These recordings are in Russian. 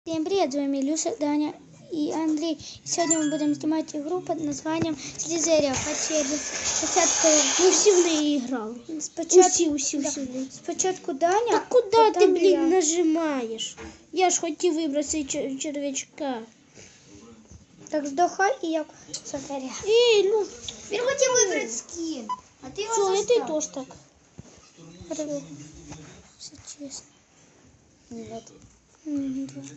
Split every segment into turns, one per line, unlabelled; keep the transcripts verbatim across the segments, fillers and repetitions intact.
Всем привет, с вами Илюша, Даня и Андрей. И сегодня мы будем снимать игру под названием Слизерия Качели. Спочатку
мы всі в неї грали.
Спочатку,
усі, усі,
да.
усі.
Спочатку Даня.
Так куди ти, блін,
я.
нажимаєш? Я ж хотів вибрати чер- червячка.
Так здохай і я Слизерія.
Ей, ну,
Він хотів вибрати скін, а ти його
що, і ти
застав.
теж так.
Все честно.
Ні,
М, да.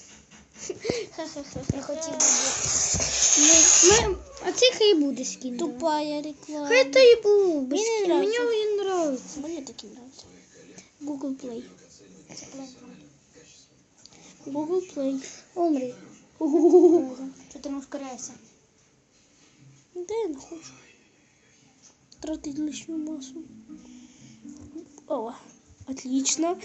я хотів вибрати.
Ми, ми, а це хай буде скін. да.
Тупая реклама.
Хай то і був. без
Мені не
скіна. Мені
нравиться.
він нравиться.
Мені такі нравиться. Google Play.
Це план.
Google Play.
Умри.
Що ти не ускоряєшся?
Да я не хочу. Тратить лишнюю массу. О, отлично.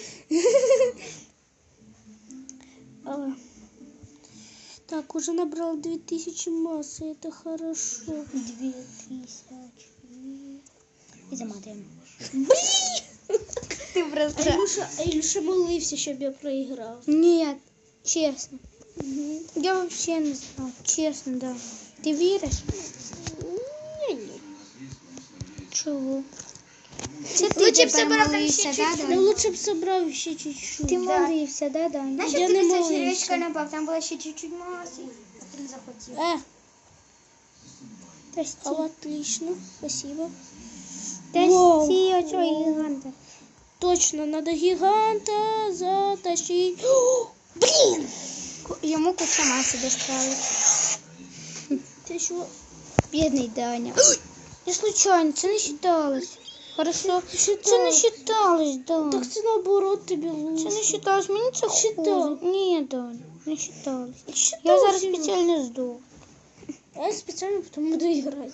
О. Так, уже набрал две тысячи массы, это хорошо.
Дві тисячі. І заматуємо.
Ти
А
просто...
Ілюша, а Ілюша молився, щоб я проіграв.
Нет, честно. Я вообще не знал. Честно, да. Ты веришь?
Ні-ні.
Чего?
Лучше б собрав там ще
да,
чуть-чуть.
Ну лучше б собрав ще чуть-чуть.
Ты
Да.
молився, да, да?
Знаєш,
Я
як
не
ти після
молився.
червячка напав? Там було ще чуть-чуть маси. Ти не захотів.
Э,
Прости.
а отлично, спасибо.
Прости, а что гиганта?
Точно, надо гиганта затащить. О, блин!
Ему куча массы досталось.
Ты что?
Бедный Даня. Не случайно, це не считалось. Хорошо.
Считалось.
Це не считалось, да.
Так це наоборот тобі лучше.
Це не считалось, мені це
Считалось.
хуже. Ні, Даня, не считалось. Я
Считалось,
зараз
Ілюш.
спеціально здох.
А я специально потом буду играть.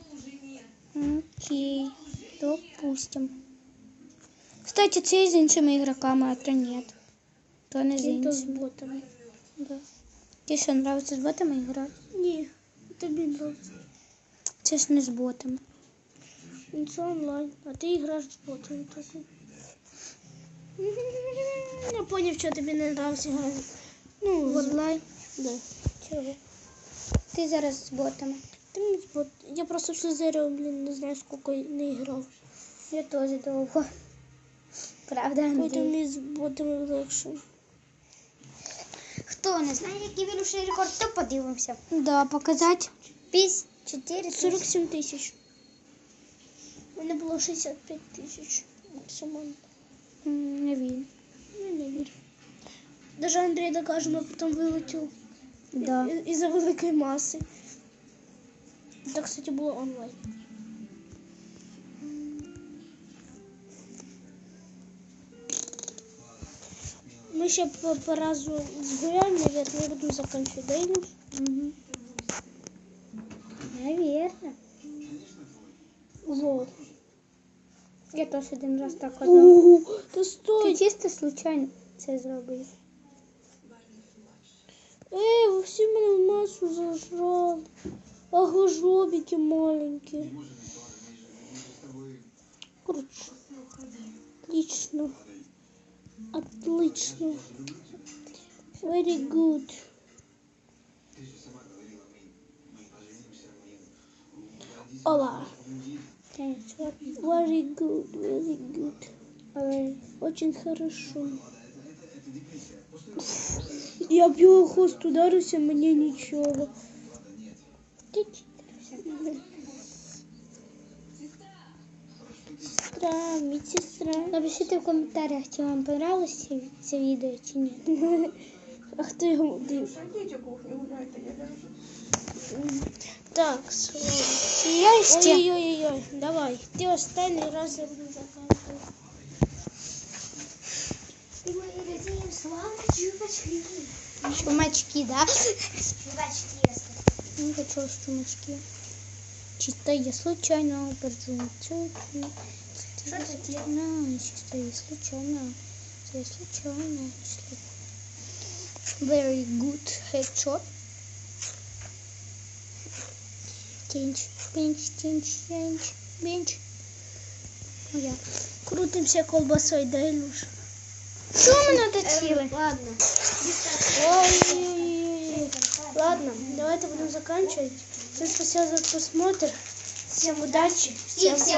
Окей, допустим. Кстати, це з іншими ігроками, а то нет. То не з
Каким-то с
іншими.
ботами.
Да. Тебе що, нравится з ботами грати?
Не, тобі нравится.
Це ж не з ботами.
Это онлайн, а ты играешь с ботами только. Я понял, что тебе не нравится играть. Ну,
В онлайн?
да.
Чого? Ти зараз з ботами.
Ты мне бот... Я просто в Слизерию, блин, не знаю, сколько не играл.
Я теж довго. Правда,
Поэтому
Андрій?
мне с ботами легче.
Хто не знає, який він уже рекорд, то подивимося.
Да, показати.
Піс чотири
сорок семь тысяч. У меня было шестьдесят пять тысяч максимально.
М, Не вірю.
Ну, не верю. Даже Андрей Докажено потом вылетел
Да.
и- из-за великой массы. Это, кстати, было онлайн. Мы еще по, по разу сгуляем, наверное, я буду заканчивать, да, Илюш?
Угу. Наверно.
Лол.
Я теж один раз так казала.
Ууу, да
Ти
стой!
чисто случайно це зробив.
Эй, вы все меня в массу зажрали. Ага, жобики маленькие. Короче, отлично. Отлично. Very good. Ола. Very good, very good.
Але
Очень хорошо. Я б його хвост ударився, мені нічого. Сестра, медсестра.
напишіть в коментарях, чи вам понравилось це, це відео, чи ні.
А хто його див? Так, слава.
Я ще.
Ой-ой-ой, давай. Ти останній раз я буду заказувати.
І ми розуміємо славу чувачки.
Чумачки, да?
Чувачки.
Не хочу чумачки. Чисто я случайно поджу.
Що це таке?
Ну, чисто я случайно. Я случайно. Very good headshot. Change, pinch, change, change, bench. Я.
Крутимся колбасой, да, Илюш?
Що ми наточили?
Ладно.
О, ладно, давайте будем заканчивать. Всем спасибо за просмотр. Всем удачи. Всем